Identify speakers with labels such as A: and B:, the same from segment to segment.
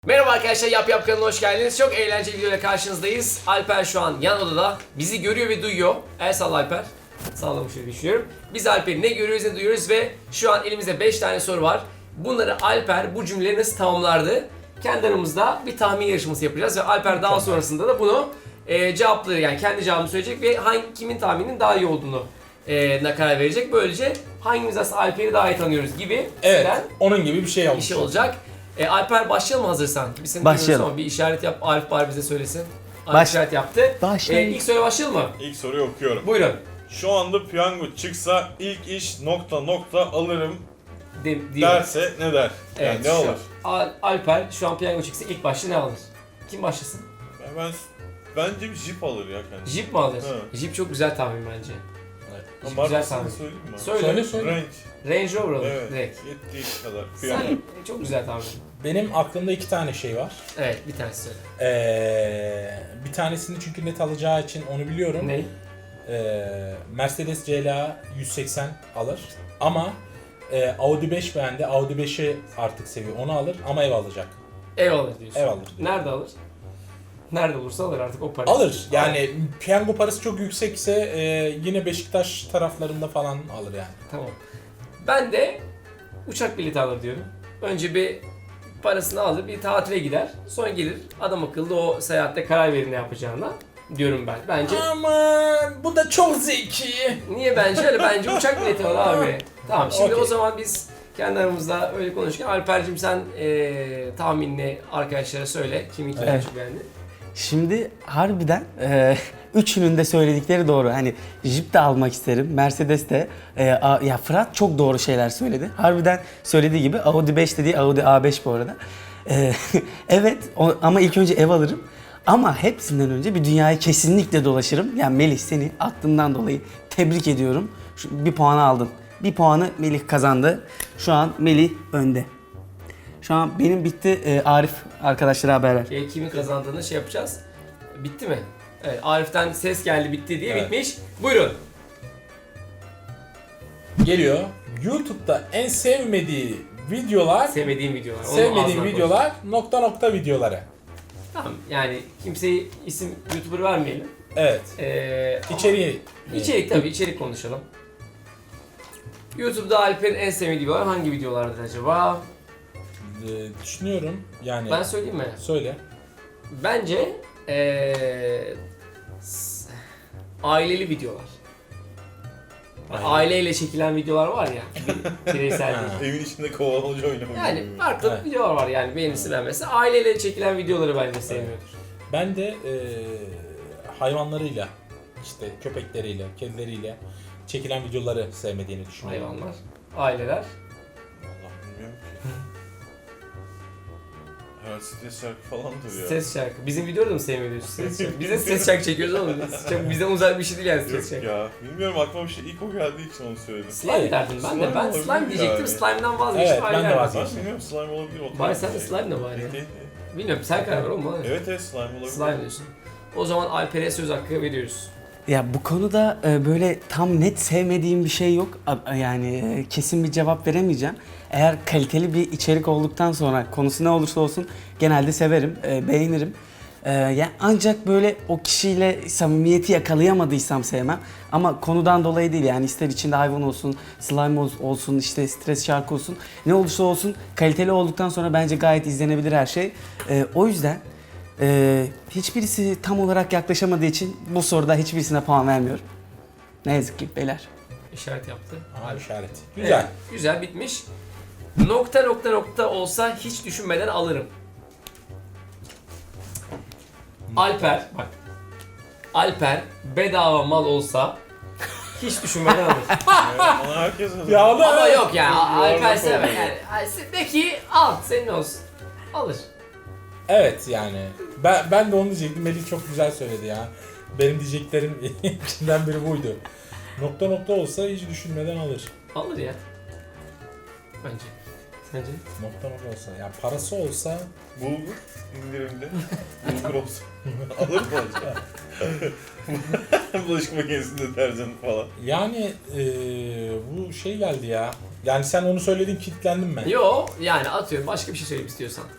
A: Merhaba arkadaşlar, Yap kanalına hoş geldiniz. Çok eğlenceli videoyla karşınızdayız. Alper şu an yan odada. Bizi görüyor ve duyuyor. El salla Alper. Sallamış diye düşünüyorum. Biz Alper'i ne görüyoruz ne duyuyoruz ve şu an elimizde 5 tane soru var. Bunları Alper bu cümleleri nasıl tamamlardı? Kendi aramızda bir tahmin yarışması yapacağız ve Alper daha sonrasında da bunu cevapları, yani kendi cevabını söyleyecek ve kimin tahmininin daha iyi olduğunu karar verecek. Böylece hangimiz aslında Alper'i daha iyi tanıyoruz gibi
B: Evet, onun gibi bir şey olmuş.
A: bir şey olacak. Alper başlayalım mı hazırsan? Biz seni
C: Başlayalım.
A: ama bir işaret yap. Arif bari bize söylesin. Arif
C: Baş-
A: işaret yaptı.
C: Başlayalım.
A: İlk soruya başlayalım mı?
D: İlk soruyu okuyorum.
A: Buyurun.
D: Şu anda piyango çıksa ilk iş ... alırım
A: Diyor.
D: derse ne der? Yani ne
A: şu
D: alır?
A: Alper şu an piyango çıksa ilk başta ne alır? Kim başlasın?
D: Bence bir Jeep alır ya kendisi.
A: Jeep mi alır?
D: Evet.
A: Jeep çok güzel tahmin bence.
D: Ama
A: Jeep güzel
D: markasını
A: tahmin.
D: söyleyeyim mi?
A: Söyle.
D: Range.
A: Range Rover alır
D: Evet.
A: direkt.
D: Yettiği kadar.
A: Sen
D: Piyango.
A: çok güzel tahmin.
B: Benim aklımda iki tane şey var.
A: Evet, bir tanesi söyle.
B: Bir tanesini çünkü net alacağı için onu biliyorum.
A: Ne?
B: Mercedes CLA 180 alır. Ama Audi 5 beğendi. Audi 5'i artık seviyor. Onu alır ama ev alacak.
A: Ev alır diyorsun.
B: Ev alır diyor.
A: Nerede alır? Nerede olursa alır artık o parayı.
B: Alır. Yani piyango parası çok yüksekse yine Beşiktaş taraflarında falan alır yani.
A: Tamam. Ben de uçak bileti alır diyorum. Önce bir parasını alır, bir tatile gider. Sonra gelir adam akıllı o seyahatte karar verir ne yapacağına diyorum ben. Bence
B: Aman bu da çok zeki.
A: niye bence öyle? Bence uçak bileti alır abi. Tamam, şimdi
B: Okey.
A: o zaman biz kendi aramızda öyle konuşurken Alper'cim sen tahminini arkadaşlara söyle. Kimin kimi
C: Evet.
A: çok beğendi.
C: Şimdi harbiden üçünün de söyledikleri doğru. Hani Jeep de almak isterim, Mercedes de. Ya Fırat çok doğru şeyler söyledi. Harbiden söylediği gibi Audi 5 dediği Audi A5 bu arada. Evet ama ilk önce ev alırım. Ama hepsinden önce bir dünyayı kesinlikle dolaşırım. Yani Melih, seni aklından dolayı tebrik ediyorum. Bir puanı aldın. Bir puanı Melih kazandı. Şu an Melih önde. Şu an benim bitti. Arif arkadaşlara haber ver.
A: Kimin kazandığını şey yapacağız. Bitti mi? Evet, Arif'ten ses geldi bitti diye
B: Evet.
A: bitmiş. Buyurun.
B: Geliyor. YouTube'da en sevmediği videolar,
A: Sevmediğim videolar. Onu
B: sevmediği
A: ağzına koy.
B: videolar ... videoları.
A: Tamam, yani kimseye isim YouTuber vermeyelim.
B: Evet. İçeriği.
A: İçerik tabii, içerik konuşalım. YouTube'da Alper'in en sevdiği videolar hangi videolardır acaba?
B: Düşünüyorum yani.
A: Ben söyleyeyim mi?
B: Söyle.
A: Bence aileli videolar. Aileyle çekilen videolar var ya, bireysel değil.
D: Evin içinde kovalamaca oynamak.
A: Yani
D: gibi.
A: farklı
B: Evet.
A: videolar var yani beğenisi beğenmesi. Aileyle çekilen videoları bence sevmiyordur.
B: Ben de hayvanlarıyla, işte köpekleriyle, kedileriyle çekilen videoları sevmediğini düşünüyorum.
A: Hayvanlar, aileler.
D: Allah bilmiyorum ki. Herhalde stres şarkı falandır ya.
A: Ses şarkı. Bizim videoda da mı sevmiyoruz ses şarkı? Biz de ses şarkı çekiyoruz ama çok bizden uzak bir şey değil yani ses
D: Yok
A: şarkı.
D: ya. Bilmiyorum, aklıma bir şey ilk o geldiği için onu söyledim.
A: Slime derdim ben de.
D: Slime
A: Ben
D: olabilir
A: slime diyecektim.
D: yani.
A: Slime'dan vazgeçtim.
B: Evet, ben de
A: aileler
B: vazgeçtim.
A: derdim.
D: Ben bilmiyorum, slime olabilir. otomatik
A: Bari sen de
D: şey.
A: slime de var ya.
D: Değil.
A: Bilmiyorum, sen karar ver oğlum bana.
D: Evet slime olabilir.
A: Slime diyorsun. O zaman Alper'e söz hakkı veriyoruz.
C: Ya bu konuda böyle tam net sevmediğim bir şey yok. Yani kesin bir cevap veremeyeceğim. Eğer kaliteli bir içerik olduktan sonra konusu ne olursa olsun genelde severim, beğenirim. Yani ancak böyle o kişiyle samimiyeti yakalayamadıysam sevmem. Ama konudan dolayı değil, yani ister içinde hayvan olsun, slime olsun, işte stres şarkı olsun, ne olursa olsun kaliteli olduktan sonra bence gayet izlenebilir her şey. O yüzden hiçbirisi tam olarak yaklaşamadığı için bu soruda hiçbirisine puan vermiyorum. Ne yazık ki beyler.
A: İşaret yaptı.
B: Aha, işaret. Güzel.
A: Evet, güzel bitmiş. ... olsa hiç düşünmeden alırım. Alper, bak. Alper bedava mal olsa hiç düşünmeden alır.
D: Evet, ona herkes alır.
B: Ya da
A: Ama yok ya, Alper
D: Yuvarlak
A: sevmez.
D: oldu.
A: Yani de ki al, senin olsun. Alır.
B: evet yani. Ben de onu diyecektim. Melih çok güzel söyledi ya. Benim diyeceklerim içinden biri buydu. ... olsa hiç düşünmeden alır.
A: Alır ya. Bence. Sence? ...
B: Olsa. Ya parası olsa
D: Bulgur indirimde. Bulgur olsun. Alır mı acaba? Bulaşık makinesinde deterjan falan.
B: yani bu şey geldi ya. Yani sen onu söyledin, kilitlendim ben.
A: Yo, yani atıyorum, başka bir şey söyleyeyim istiyorsan.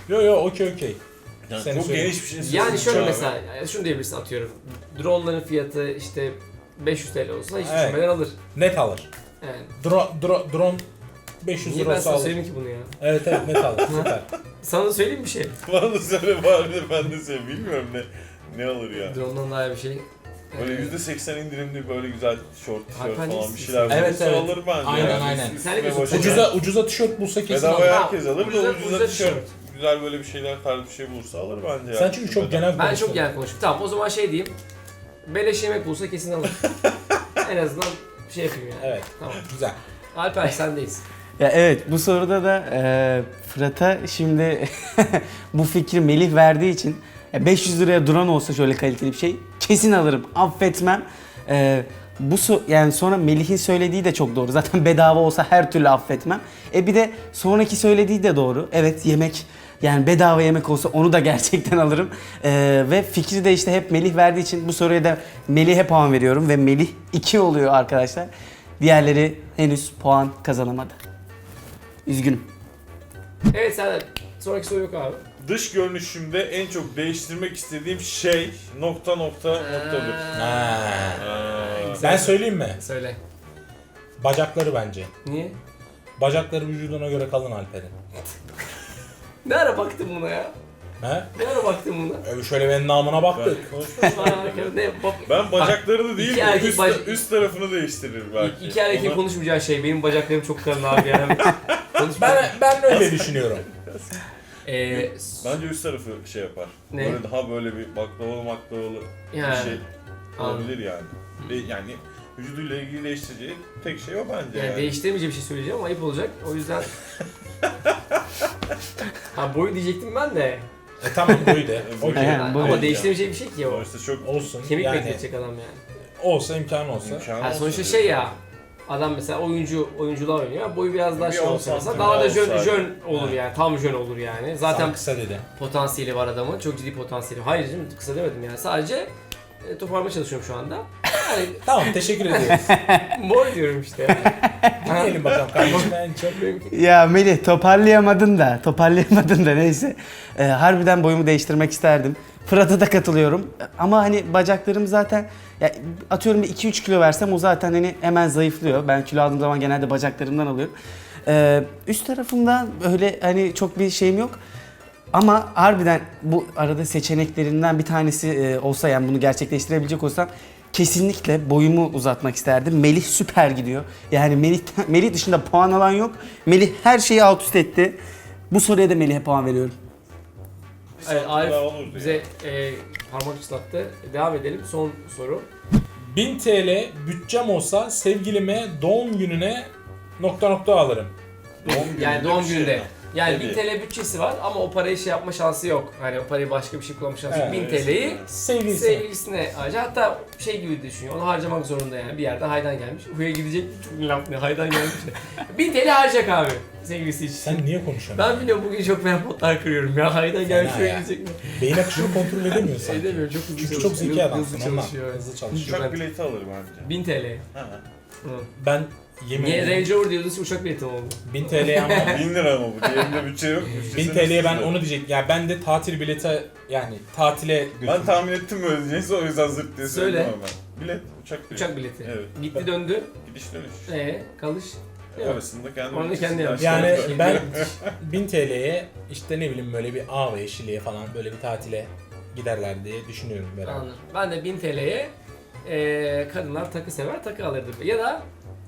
B: Yo okey.
D: Yani
B: Seni
D: çok
B: söyleyeyim.
D: geniş bir şey
A: Yani
D: söyledin
A: şöyle
D: abi.
A: mesela şunu diyebilirsin atıyorum. Drone'ların fiyatı işte 500 TL olsa hiç
B: Evet.
A: düşünmeden alır.
B: Net alır.
A: Yani.
B: Drone 500
A: Niye ben
B: lira
A: sana
B: alır.
A: söyleyeyim ki bunu ya?
B: Evet net alır. Süper.
A: Sana da söyleyeyim bir şey.
D: Bana da söyle bari de ben de söyleyeyim. Bilmiyorum ne alır ya.
A: Drone'dan daha iyi bir şey.
D: Böyle %80 indirimli böyle güzel short tişört
A: Hakan
D: falan bir
A: değilsin.
D: şeyler
B: Evet,
D: bulursa
B: evet.
D: alır bence.
B: Aynen,
D: yani.
B: aynen.
D: Üstüne
A: Sen de
D: başına-
B: Ucuza tişört bulsa kesin
D: Bedavaya
B: alır.
D: herkes alır da
A: Ucuza
D: ucuza tişört.
A: tişört.
D: Güzel böyle bir şeyler tarzı bir şey bulursa alır bence ya.
B: Sen çünkü çok genel
A: Ben
B: konuştun.
A: çok genel konuştum. Tamam o zaman şey diyeyim. Beleş yemek bulsa kesin alır. En azından şey yapayım yani.
B: Evet.
A: Tamam.
B: Güzel.
A: Alper sendeyiz.
C: Ya evet bu soruda da Fırat'a şimdi bu fikri Melih verdiği için 500 liraya drone olsa şöyle kaliteli bir şey kesin alırım, affetmem. Yani sonra Melih'in söylediği de çok doğru. Zaten bedava olsa her türlü affetmem. Bir de sonraki söylediği de doğru. Evet yemek yani bedava yemek olsa onu da gerçekten alırım. Ve fikri de işte hep Melih verdiği için bu soruya da Melih'e puan veriyorum ve Melih 2 oluyor arkadaşlar. Diğerleri henüz puan kazanamadı. Üzgünüm.
A: Evet sen sonraki soru yok abi.
D: Dış görünüşümde en çok değiştirmek istediğim şey ... noktadır.
B: Ha.
A: Güzel.
B: Ben söyleyeyim mi?
A: Söyle.
B: Bacakları bence.
A: Niye?
B: Bacakları vücuduna göre kalın Alper'in.
A: Ne ara baktın buna ya?
B: He?
A: Ne ara baktın buna?
B: Şöyle benim namına baktık.
A: Ne bak.
D: Ben bacaklarını değil
A: İki
D: de
A: erkek
D: üst tarafını değiştiririm belki.
A: İki erkek
D: Ona-
A: konuşmayacağı şey benim bacaklarım çok kalın abi yani.
B: Ben öyle düşünüyorum.
D: Bence üst tarafı şey yapar.
A: Ne?
D: Böyle daha böyle bir baklavalı
A: Yani.
D: bir şey
A: Anladım.
D: olabilir yani. Yani vücuduyla ilgili değiştireceği tek şey o bence
A: Yani
D: yani.
A: değiştiremeyeceğim bir şey söyleyeceğim ama ayıp olacak. O yüzden... Ha boyu diyecektim ben de.
B: Tamam buydu. Okey.
C: Yani bu-
A: Ama
C: Evet
A: değiştiremeyeceğim bir şey ki o.
D: Sonuçta çok
B: Olsun.
A: Kemik
B: yani,
A: bekletecek adam yani.
B: olsa imkanı olsa.
D: imkanı
A: Ha,
D: olsa
A: sonuçta
D: diye.
A: şey ya. Adam mesela oyunculuğa oynuyor. Boyu biraz daha
D: Bir
A: şey
D: 10
A: olsa mesela
D: santim
A: daha da
D: daha
A: jön
D: olsaydı.
A: olur yani. Tam jön olur yani. Zaten
B: Zaten kısa dedi.
A: potansiyeli var adamın. Çok ciddi potansiyeli. Hayır canım kısa demedim yani. Sadece toparlamaya çalışıyorum şu anda. Yani
B: Tamam teşekkür ediyoruz.
A: boy diyorum işte yani.
B: Dinleyelim bakalım kardeşim en çok.
C: Ya Melih toparlayamadın da neyse. Harbiden boyumu değiştirmek isterdim. Fırat'a da katılıyorum. Ama hani bacaklarım zaten ya atıyorum bir 2-3 kilo versem o zaten hani hemen zayıflıyor. Ben kilo aldığım zaman genelde bacaklarımdan alıyorum. Üst tarafımda öyle hani çok bir şeyim yok. Ama harbiden bu arada seçeneklerinden bir tanesi olsa yani bunu gerçekleştirebilecek olsam kesinlikle boyumu uzatmak isterdim. Melih süper gidiyor. Yani Melih dışında puan alan yok. Melih her şeyi alt üst etti. Bu soruya da Melih'e puan veriyorum.
A: Evet, Arif
D: daha olurdu
A: bize parmak ıslattı. Devam edelim. Son soru.
B: 1000 TL bütçem olsa sevgilime doğum gününe ... alırım.
A: Yani doğum
D: bir şey
A: gününde.
D: mi?
A: Yani
D: Tabii.
A: 1000 TL bütçesi var ama o parayı şey yapma şansı yok. Hani o parayı başka bir şey kullanma şansı yok.
B: Evet.
A: 1000 TL'yi
B: Sevgilisi.
A: sevgilisine harca. Hatta şey gibi düşünüyor. Onu harcamak zorunda yani. Bir yerde haydan gelmiş. Buraya gidecek. Çok laf ne haydan gelmiş. 1000 TL harcayacak abi. Sevgilisi için.
B: Sen niye konuşuyorsun?
A: Ben biliyorum bugün çok fena potlar kırıyorum ya. Haydan gelmiş
B: Fena
A: buraya
B: ya.
A: gidecek mi?
B: Beyin akışını kontrol edemiyorsun.
A: Edemiyorum. Çok hızlı
B: Çünkü
A: çalışıyor.
B: çok zeki adamsın
A: Hızlı
B: ondan.
A: çalışıyor.
B: Hızlı çalışıyor.
D: Uçak bileti alır bence.
A: 1000 TL.
D: Ha.
A: Hı.
B: Ben yemin
A: Niye
B: ederim
A: Range Rover diyordun uçak bileti mi oldu?
B: 1000 TL'ye ama
D: 1000 lira ama bu. Diğerinde bütçe yok.
B: 1000 TL'ye ben onu diyecektim. Ya ben de tatil bileti yani tatile
D: Ben
B: götürdüm.
D: tahmin ettim böyle diyeceğinizi o yüzden zırt diye
A: Söyle.
D: söyledim ama ben. Bilet, uçak bileti.
A: Uçak bileti.
D: Evet.
A: Gitti döndü.
D: Gidiş dönüş.
A: Kalış. Yok.
D: Arasında kendi
A: Onu
D: bütçesi
A: kendi yapmış.
B: Yani
D: karşıladı.
B: ben 1000 TL'ye işte ne bileyim böyle bir Ağrı'ya, Şili'ye falan böyle bir tatile giderler diye düşünüyorum beraber.
A: Anladım. Ben de 1000 TL'ye kadınlar takı sever takı alırdı. Ya da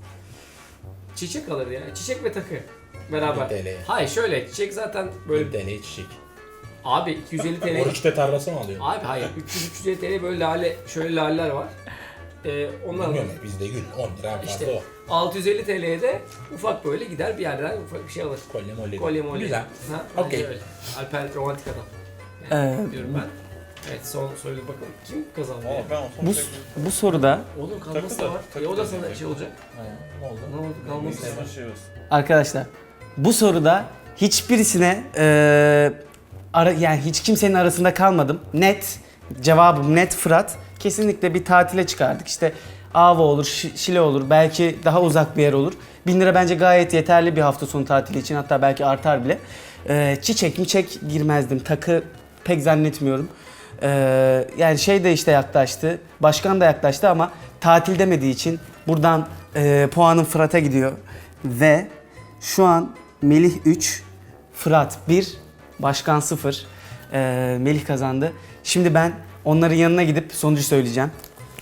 A: çiçek alırdı yani. Çiçek ve takı. Beraber.
B: 1000 TL'ye.
A: Hayır şöyle çiçek zaten
B: 1000
A: böyle
B: TL'ye çiçek.
A: abi 250 TL.
B: Oruçta tarlası mı alıyor?
A: Abi hayır 300-350 TL böyle lale şöyle laleler var. Onlar
B: Bilmiyorum bizde gül 10 lira en fazla
A: İşte
B: o.
A: 650 TL'ye de ufak böyle gider bir yerden ufak bir şey alır.
B: Kolye molye.
A: Kolye molye.
B: Güzel.
A: Ha, bence
B: Okey.
A: öyle. Alper romantik adam. Diyorum ben. Evet son soruya bakalım. Kim kazandı ya?
D: Ama ben o son
C: Bu,
D: tek-
C: bu soruda
A: Oğlum kalması
D: Takı
A: da
D: da-
A: var.
D: takı
A: O da
D: da
A: sana
D: diyecek.
A: şey olacak.
B: Ha, ne oldu?
A: Ne oldu kalması da
D: Neyse,
A: var.
D: şey olsun.
C: arkadaşlar bu soruda hiçbirisine yani hiç kimsenin arasında kalmadım. Net cevabım net Fırat. Kesinlikle bir tatile çıkardık. İşte Ava olur, Şile olur, belki daha uzak bir yer olur. 1000 lira bence gayet yeterli bir hafta sonu tatili için, hatta belki artar bile. Çiçek miçek girmezdim. Takı pek zannetmiyorum. Yani şey de işte yaklaştı. Başkan da yaklaştı ama tatil demediği için buradan puanım Fırat'a gidiyor. Ve şu an Melih 3, Fırat 1, Başkan 0. Melih kazandı. Şimdi ben onların yanına gidip sonucu söyleyeceğim.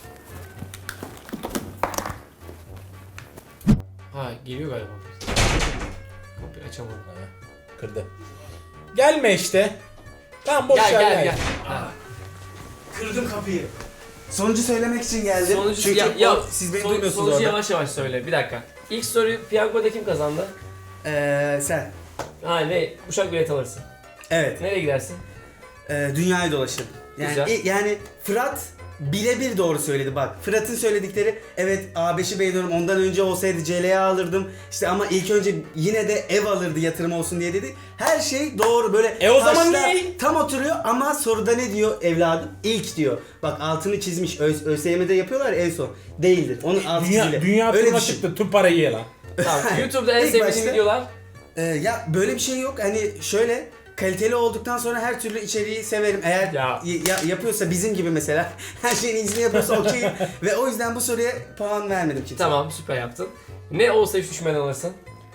A: Ha geliyor galiba. Kapıyı açamadım.
B: Kırdı. Gelme işte. Tamam boş ver
A: Gel. Ha.
C: Kırdım kapıyı. Sonucu söylemek için geldim.
A: Sonucu,
C: Çünkü siz beni duymuyorsunuz
A: sonucu
C: orada.
A: yavaş yavaş söyle. Bir dakika. İlk soruyu piyangoda kim kazandı?
C: Sen.
A: Ha ne? Uçak bileti alırsın.
C: Evet.
A: Nereye gidersin?
C: Dünyayı dolaşırım. Yani,
A: Güzel.
C: yani Fırat birebir doğru söyledi bak. Fırat'ın söyledikleri evet A5'i beğeniyorum ondan önce olsaydı CLA alırdım. İşte ama ilk önce yine de ev alırdı yatırım olsun diye dedi. Her şey doğru böyle.
B: O zaman
C: taşlar
B: ne?
C: Tam oturuyor ama soruda ne diyor evladım? İlk diyor. Bak altını çizmiş. ÖSYM'de yapıyorlar ya en son. Değildir. Onun altı çizili.
B: Dünya
C: Öyle
B: turuna
C: düşün.
B: çıktı. Tüm parayı ye lan.
A: Tamam. YouTube'da en
C: İlk
A: sevdiğin
C: başta-
A: videolar.
C: Ya böyle bir şey yok. Hani şöyle kaliteli olduktan sonra her türlü içeriği severim. Eğer
A: Ya.
C: yapıyorsa bizim gibi mesela her şeyin iyisini yapıyorsa okey. Ve o yüzden bu soruya puan vermedim kimseye.
A: Tamam süper yaptın. Ne olsa hiç düşmeden alırsın.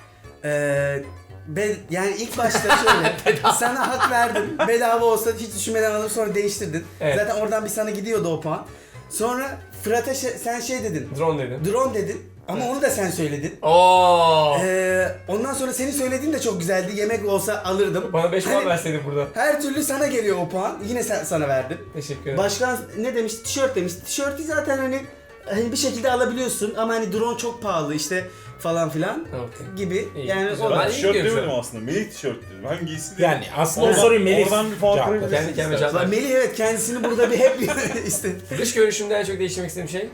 C: Yani ilk başta şöyle sana hak verdim. Bedava olsa hiç düşünmeden alıp sonra değiştirdin.
A: Evet.
C: Zaten oradan bir sana gidiyordu o puan. Sonra Fırat'a sen şey dedin.
A: Drone dedim.
C: Drone dedin. Ama onu da sen söyledin.
A: Oo.
C: Ondan sonra senin söylediğin de çok güzeldi. Yemek olsa alırdım.
A: Bana 5 puan
C: Hani
A: verseydin burada.
C: her türlü sana geliyor o puan. Yine sana verdim.
A: Teşekkür ederim.
C: Başkan ne demiş? Tişört demiş. Tişörtü zaten hani bir şekilde alabiliyorsun ama hani drone çok pahalı işte falan filan
A: Okey.
C: gibi.
A: İyi,
C: Yani
A: güzel.
C: o
A: Ben
D: Ben
A: iyi
D: tişört
A: gidiyorum
D: demedim
A: şu an.
D: aslında. Melih tişört dedim. Hangisi dedim.
B: Yani aslında o
C: Oradan-
B: soruyu Melih
D: oradan bir puan
B: cevapladı.
D: kırabilirsin.
A: Kendi kendime
D: istersen.
A: cevap ver.
C: Melih evet kendisini burada bir hep işte
A: Dış görünüşümde en çok değiştirmek istediğim şey.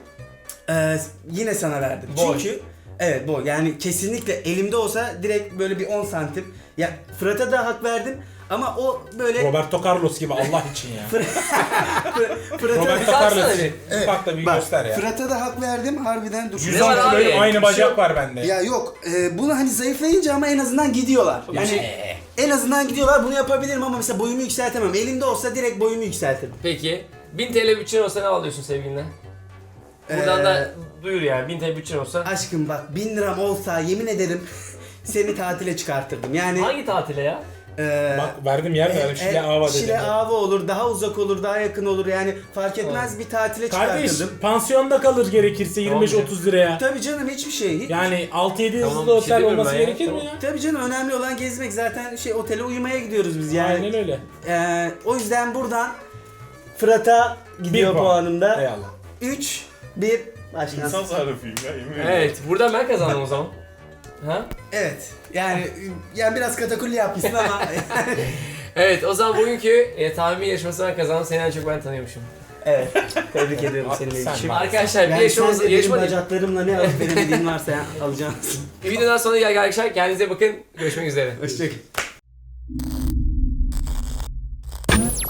C: yine sana verdim.
A: Boy.
C: Çünkü evet bu yani kesinlikle elimde olsa direkt böyle bir 10 santim. Ya Fırat'a da hak verdim ama o böyle
B: Roberto Carlos gibi Allah için ya.
C: Fırat'a
B: Roberto
A: Baksana
B: Carlos.
A: bir.
B: Bak da bir
C: bak,
B: göster ya.
C: Fırat'a da hak verdim harbiden dur.
B: 110
A: var abi?
B: kiloyum aynı
A: Bir
B: bacak
A: şey yok.
B: var bende.
C: Ya yok bunu hani zayıflayınca ama en azından gidiyorlar. Yani en azından gidiyorlar bunu yapabilirim ama mesela boyumu yükseltemem. Elimde olsa direkt boyumu yükseltirdim.
A: Peki 1000 TL bütçen olsa ne alıyorsun sevgiline? Buradan da duyur yani 1000 TL bütçen olsa.
C: Aşkım bak 1000 liram olsa yemin ederim seni tatile çıkartırdım. Yani
A: Hangi tatile ya?
B: Bak verdim yer verdim. Şile Ava dedim.
C: Şile Ava olur, daha uzak olur, daha yakın olur yani fark etmez bir tatile
B: Kardeş
C: çıkartırdım.
B: pansiyonda kalır gerekirse
A: Tamam
B: 25-30 liraya.
C: Tabii canım hiçbir şey. Hiç.
B: Yani 6-7
A: Tamam,
B: yıldızlı
A: bir şey
B: otel
A: demiyorum
B: olması
A: ben ya.
B: gerekir mi
A: Tamam.
B: ya?
C: Tabii canım önemli olan gezmek zaten otele uyumaya gidiyoruz biz yani.
B: Aynen öyle.
C: O yüzden buradan Fırat'a gidiyor
B: Bir puan.
C: puanımda.
B: Eyvallah.
C: 3, 1, başlasın.
D: İnsan sarrafıyım ya yemin ederim.
A: Evet buradan ben kazandım o zaman. Ha?
C: Evet. Yani biraz katakulli yapmışsın ama
A: Evet o zaman bugünkü tahmin yarışması ben kazandım. Seni en çok ben tanıyormuşum.
C: evet. Tebrik ediyorum seni
B: Sen
C: Melih'ciğim.
B: bak.
A: Arkadaşlar bir
C: Yani sen
A: yarışmamız
C: de benim
A: yarışma değil.
C: bacaklarımla ne alıp veremediğin varsa alacaksın.
A: Bir videodan sonra gel arkadaşlar kendinize bakın. Görüşmek üzere.
C: Hoşçakalın.